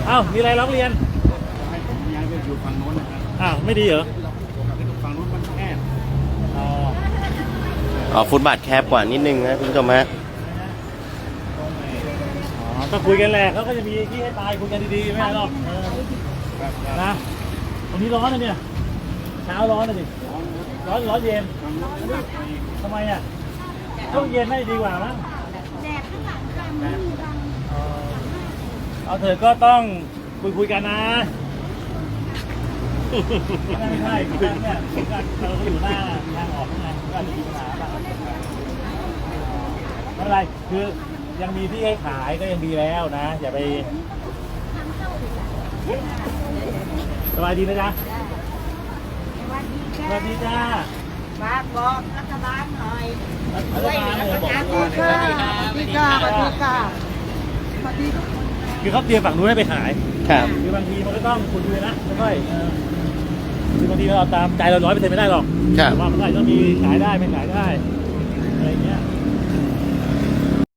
เอ้ามีอะไรร้องเรียนให้ผมย้ายไปอยู่ฝั่งโน้นนะครับอ้าวไม่ดีเหรอฝั่งโน้นมันแคบอ๋อฟุตบาทแคบกว่านิดนึงนะคุณผู้ชมฮะก็คุยกันแหละเขาก็จะมีที่ให้ตายคุยกันดีๆไม่ได้หรอกนะตรงนี้ร้อนนะเนี่ยเช้าร้อนนะดิร้อนเย็นทำไมอ่ะช่วงเย็นไม่ดีกว่ามั้งแดดข้างหลังค่ะมือบังเอาเถอะก็ต้องคุยกันนะไม่ใช่เนี่ยเราอยู่หน้าทางออกไงก็อาจจะมีปัญหาบ้างไม่เป็นไรคือยังมีที่ให้ขายก็ยังดีแล้วนะอย่าไปสบายดีนะจ๊ะสวัสดีจ้าฝากบอกรัฐบาลหน่อยช่วยรัฐบาลบอกสวัสดีค่ะสวัสดีค่ะสวัสดีค่ะสวัสดีทุกคนคือเขาเตรียมฝั่งนู้นให้ไปขายครับคือบางทีมันก็ต้องคุยนะไม่ค่อยคือบางทีเราตามใจเรา100%ไม่ได้หรอกครับว่ามันก็ต้องมีขายได้ไม่ขายได้อะไรเงี้ย